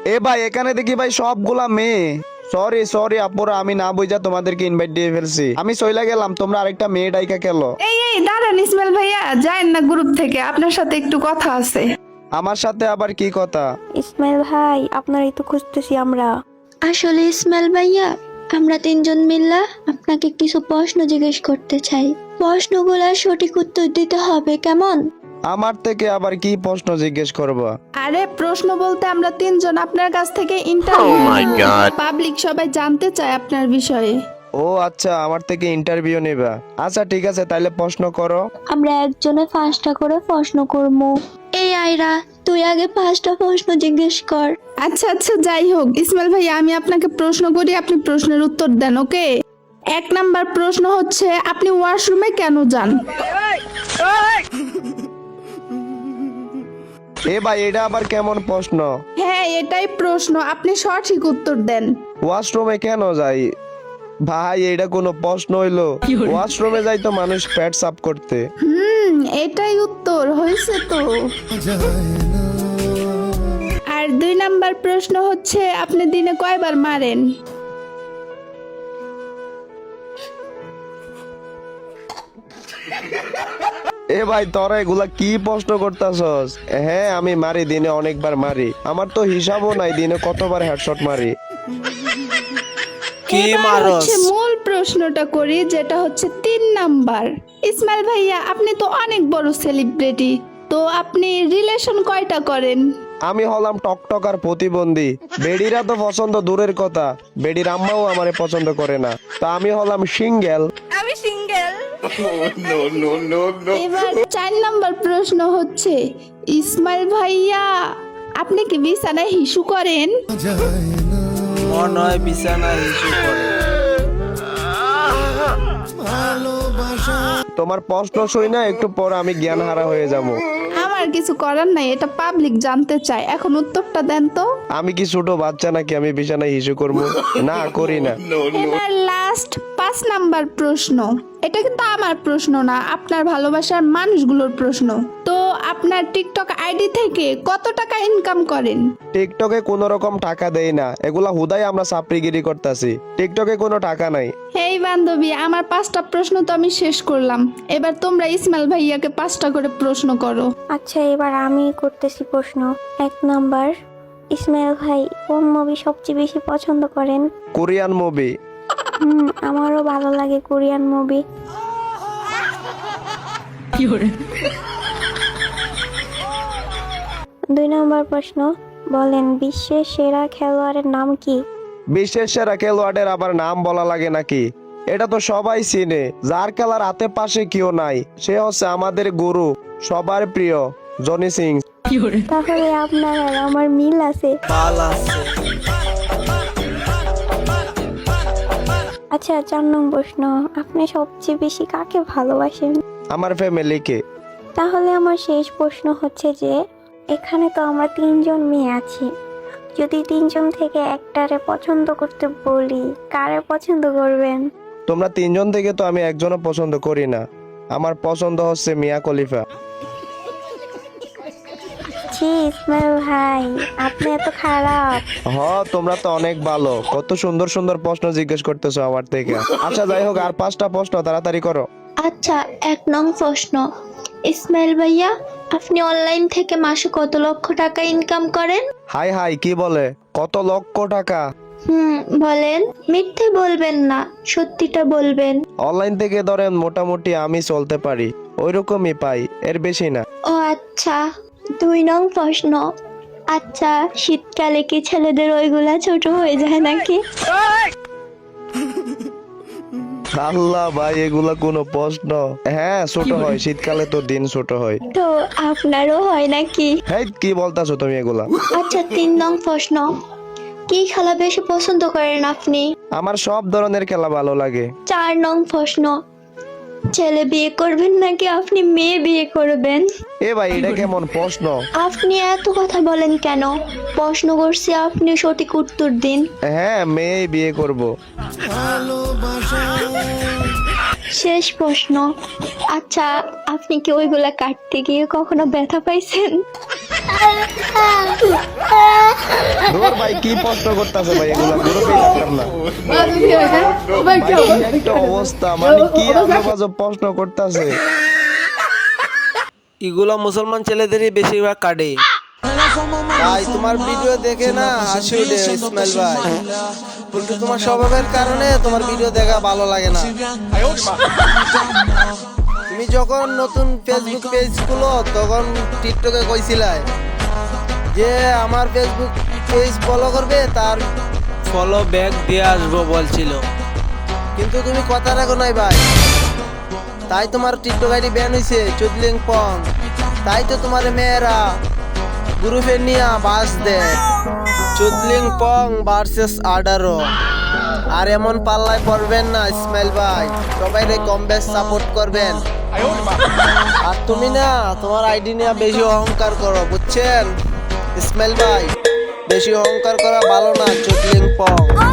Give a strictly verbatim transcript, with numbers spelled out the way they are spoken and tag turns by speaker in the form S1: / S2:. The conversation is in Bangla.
S1: এ ভাই এখানে দেখি ভাই সবগুলা মেয়ে। সরি সরি আপুরা, আমি না বুঝা তোমাদেরকে ইনভাইট দিয়ে ফেলছি। আমি চইলা গেলাম, তোমরা আরেকটা মেয়ে ডাইকা খেলো।
S2: এই এই দাঁড়ান ইসমাইল ভাইয়া, যায়েন না গ্রুপ থেকে, আপনার সাথে একটু কথা আছে।
S1: আমার সাথে আবার কি কথা?
S3: ইসমাইল ভাই, আপনারই তো খুঁজতেছি আমরা।
S4: আসলে ইসমাইল ভাইয়া, আমরা তিনজন মিল্লা আপনাকে কিছু প্রশ্ন জিজ্ঞেস করতে চাই। প্রশ্নগুলোর সঠিক উত্তর দিতে হবে, কেমন?
S1: আমার থেকে আবার কি প্রশ্ন জিজ্ঞেস করবা?
S2: আরে প্রশ্ন বলতে আমরা তিনজন আপনার কাছ থেকে ইন্টারভিউ, পাবলিক সবাই জানতে চায় আপনার বিষয়ে।
S1: ও আচ্ছা, আমার থেকে ইন্টারভিউ নেবা। আচ্ছা ঠিক আছে, তাইলে প্রশ্ন করো।
S4: আমরা একজনে পাঁচটা করে প্রশ্ন করব। এই আয়রা, তুই আগে পাঁচটা প্রশ্ন জিজ্ঞেস কর।
S2: আচ্ছা আচ্ছা, যাই হোক ইসমাইল ভাই, আমি আপনাকে প্রশ্ন করি, আপনি প্রশ্নের উত্তর দেন, ওকে? এক নাম্বার প্রশ্ন হচ্ছে, আপনি ওয়াশরুমে কেন যান?
S1: এ ভাই এটা আবার কেমন প্রশ্ন?
S2: হ্যাঁ এটাই প্রশ্ন, আপনি সঠিক উত্তর দেন।
S1: ওয়াশরুমে কেন যাই? ভাই এটা কোনো প্রশ্ন হইলো? ওয়াশরুমে যাই তো মানুষ পেট সাফ করতে।
S2: হুম, এটাই উত্তর হয়েছে তো। আর দুই নাম্বার প্রশ্ন হচ্ছে, আপনি দিনে কয়বার মারেন?
S1: এ ভাই তোরা এগুলা কি প্রশ্ন করতাছস? হ্যাঁ আমি মারি, দিনে অনেকবার মারি। আমার তো হিসাবও নাই দিনে কতবার হেডশট মারি।
S5: কি
S2: এবার
S5: মারস?
S2: হচ্ছে মূল প্রশ্নটা করি, যেটা হচ্ছে তিন নাম্বার। ইসমাইল ভাইয়া, আপনি তো অনেক বড় সেলিব্রিটি, তো আপনি রিলেশন কয়টা করেন?
S1: আমি হলাম টকটকার প্রতিবন্ধী। বেডিরা তো পছন্দ দূরের কথা, বেডির আম্মাও আমারে পছন্দ করে না। তা আমি হলাম সিঙ্গেল।
S2: এবার চার নাম্বার প্রশ্ন হচ্ছে, ইসমাইল ভাইয়া আপনি কি বিছানায় হিসু করেন?
S5: মনে হয় বিছানায় হিসু করে।
S1: তোমার প্রশ্ন শুই না, একটু পর আমি জ্ঞান হারা হয়ে যাবো।
S2: আমার কিছু করার নাই, এটা পাবলিক জানতে চায়, এখন উত্তরটা দেন তো।
S1: আমি কি ছোট বাচ্চা নাকি আমি বিছানায় হিসু করবো? না করি না।
S2: এবার লাস্ট পাঁচ নাম্বার প্রশ্ন, এটা কিন্তু আমার প্রশ্ন না, আপনার ভালোবাসার মানুষগুলোর প্রশ্ন। তো আপনার টিকটক আইডি থেকে কত টাকা ইনকাম করেন?
S1: টিকটকে কোনো রকম টাকা দেই না, এগুলা হুদাই আমরা চাপড়িগিরি করতেছি। টিকটকে কোনো টাকা নাই।
S2: হেই বান্ধবী, আমার পাঁচটা প্রশ্ন তো আমি শেষ করলাম, এবার তোমরা ইসমাইল ভাইয়াকে পাঁচটা করে প্রশ্ন করো।
S3: আচ্ছা এবার আমি করতেছি প্রশ্ন। এক নাম্বার, ইসমাইল ভাই কোন মুভি সবচেয়ে বেশি পছন্দ করেন?
S1: Korean movie.
S3: হুম, আমারও ভালো লাগে কোরিয়ান মুভি। দুই নম্বর প্রশ্ন, বলেন বিশ্বের সেরা খেলোয়াড়ের নাম কি?
S1: বিশ্বের সেরা খেলোয়াড়ের আবার নাম বলা লাগে নাকি? এটা তো সবাই চিনে, যার খেলার হাতে পাশে কেউ নাই, সে হচ্ছে আমাদের গুরু, সবার প্রিয় জনি সিং।
S3: তাহলে আপনার আর আমার মিল আছে।
S5: পাল আছে।
S3: আচ্ছা চার নম্বর প্রশ্ন, আপনি সবচেয়ে বেশি কাকে ভালোবাসেন?
S1: আমার ফ্যামিলিকে।
S3: তাহলে আমার শেষ প্রশ্ন হচ্ছে যে, এখানে তো আমরা তিনজন মেয়ে আছি, যদি তিনজন থেকে একটারে পছন্দ করতে বলি, কারে পছন্দ করবেন?
S1: তোমরা তিনজন থেকে তো আমি একজনও পছন্দ করি না, আমার পছন্দ হচ্ছে মিয়া খলিফা।
S3: ছি ইসমাইল ভাই, আপনি এত খারাপ।
S1: হ তোমরা তো অনেক ভালো, কত সুন্দর সুন্দর প্রশ্ন জিজ্ঞেস করতেছো আমার থেকে। আচ্ছা যাই হোক, আর পাঁচটা প্রশ্ন তাড়াতাড়ি করো।
S4: আচ্ছা, এক নং প্রশ্ন, ইসমাইল ভাইয়া আপনি অনলাইন থেকে মাসে কত লক্ষ টাকা ইনকাম করেন?
S1: হাই হাই কি বলে, কত লক্ষ টাকা?
S4: হুম, বলেন, মিথ্যে বলবেন না, সত্যিটা বলবেন।
S1: অনলাইন থেকে ধরেন মোটামুটি আমি চলতে পারি, ওইরকমই পাই, এর বেশি না।
S4: ও আচ্ছা। দুই নং প্রশ্ন, আচ্ছা শীতকালে কি ছেলেদের ওইগুলা ছোট হয়ে যায় নাকি?
S1: আল্লাহ ভাই, এগুলা কোনো প্রশ্ন? হ্যাঁ ছোট হয়, শীতকালে তো দিন ছোট হয়।
S4: তো আপনারও হয় নাকি?
S1: হেই কি বলতাছো তুমি এগুলা?
S4: আচ্ছা তিন নং প্রশ্ন, কি খেলা বেশি পছন্দ করেন আপনি?
S1: আমার সব ধরনের খেলা ভালো লাগে।
S4: চার নং প্রশ্ন, ছেলে বিয়ে করবেন নাকি আপনি মেয়ে বিয়ে করবেন?
S1: এ ভাই এটা কেমন প্রশ্ন?
S4: আপনি এত কথা বলেন কেন? প্রশ্ন করছি, আপনি সঠিক উত্তর দিন।
S1: হ্যাঁ মেয়ে বিয়ে করব।
S4: শেষ প্রশ্ন, আচ্ছা আপনি কি ওইগুলা কাটতে গিয়ে কখনো ব্যথা পাইছেন?
S1: দূর ভাই কি প্রশ্ন করতেছে ভাই, এগুলা গ্রুপে দেখলাম না। ভাই, কি একটা অবস্থা, মানে কি আজব প্রশ্ন করতেছে।
S5: এগুলো মুসলমান ছেলেদেরই বেশিরভাগ কাটে। ভাই তোমার ভিডিও দেখে না হাসি উঠে ইসমাইল ভাই, কিন্তু তোমার স্বভাবের কারণে তোমার ভিডিও দেখা ভালো লাগে না। তুমি যখন নতুন ফেসবুক পেজ খুলো তখন টিকটকে কইছিলাই যে আমার ফেসবুক পেজ ফলো করবে, তার ফলো ব্যাক দিয়ে আসবো বলছিল, কিন্তু তুমি কথা রাখো নাই ভাই, তাই তোমার টিকটক আইডি ব্যান হয়েছে চুদলিং পং। তাই তো তোমার মেয়েরা গ্রুপে নিয়ে বাস দেয় চুদলিং পং ভার্সেস আডারো। আর এমন পাল্লায় পড়বেন না ইসমাইল ভাই, সবাই রে কম বেশ সাপোর্ট করবেন। আর তুমি না তোমার আইডি নিয়ে বেশি অহংকার করো, বুঝছেন ইসমাইল ভাই? বেশি অহংকার করা ভালো না চুদলিং পং।